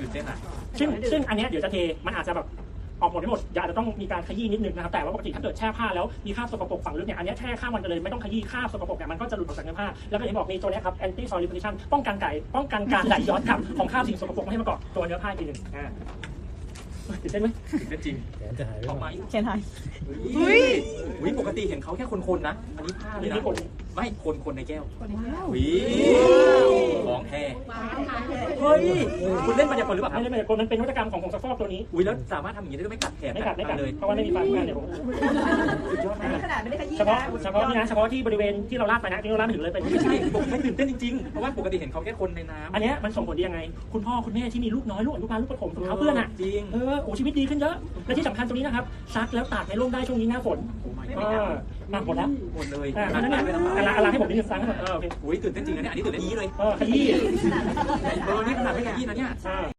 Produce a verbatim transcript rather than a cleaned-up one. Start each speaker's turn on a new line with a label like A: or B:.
A: ตื่นเต้นอ่ะ
B: ซึ่งซึ่งอันนี้เดี๋ยวจะเทมันอาจจะแบบออกหมดไม่หมดอาจจะต้องมีการขยี้นิดนึงนะครับแต่ว่าปกติถ้าเกิดแช่ผ้าแล้วมีคราบสกปรกฝังลึกเนี่ยอันนี้แช่ข้ามวันกันเลยไม่ต้องขยี้คราบสกปรกเนี่ยมันก็จะหลุดออกจากเนื้อผ้าแล้วก็อย่างที่บอกมีตัวนี้ครับ anti soil repellent ป้องกันไก่ป้องกันการไหลย้อนกลับของคราบสิ่งสกปรกไม่ให้มาเกาะตัวเนื้อผ้าอีกทีหนึ่งอ่าตื่นเต้นไหม
A: ตื่นเต้นจริง
C: แขนจะหายไป
A: ออก
C: ไหม
A: มา
D: เขียนหาย
A: อุ้ยอุ้ยปกติเห็นเขาแค่คนๆนะอันนี้ผ้าเลยนะไม่คนคนในแก้วอุ้ยของแท้เฮ้ยคุณเล่นมายากลหรือเปล่า
B: ไม่ได้มายากลมันเป็นนวัตกรรมของผงซักฟอกตัวนี้
A: อุ้ยแล้วสามารถทำอย่างนี้ได้ไม่กัดแขน
B: ไม่กัดไม่กัด
A: เลย
B: เพราะว่าไม่มีฟันเนี่ยผม
A: สุดยอดมาก
D: ขนาดไม่ได้ขยี้
B: เฉพาะเฉพาะนี่นะเฉพาะที่บริเวณที่เราลากไปนะที่เราลากไปถึงเลยเป็น
A: ไม่ใช่ผมไม่ตื่นเต้นจริงๆเพราะว่าปกติเห็นเขาแค่คนในน้ำ
B: อันนี้มันส่งผลดียังไงคุณพ่อคุณแม่ที่มีลูกน้อยลูกอนุบาลลูกประถมถุงเท้าเปื้อนอ่ะ
A: จริง
B: เออโอ้ชีวิตดีขึ้นเยอะและที่สำคัญตรงนี้นะครับซักแล้วตากในร่มได้ช่วงนี้หน้าฝน
A: โอ้ my
B: เอ
A: god
B: อมาหมดแล้ว
A: หมดเลย
B: อ่าอันนั้นเนี่ยอะไรอะไรให้ผมนิดนึงซักให้หมดเออโอเค
A: อุ้ยตื่นเต้นจริงนะเนี่ยอันนี้ตื่นเต้นนี้เลย
B: เออขยี้
A: เออนี่ขนาดไม่ขยี้นะเนี่ย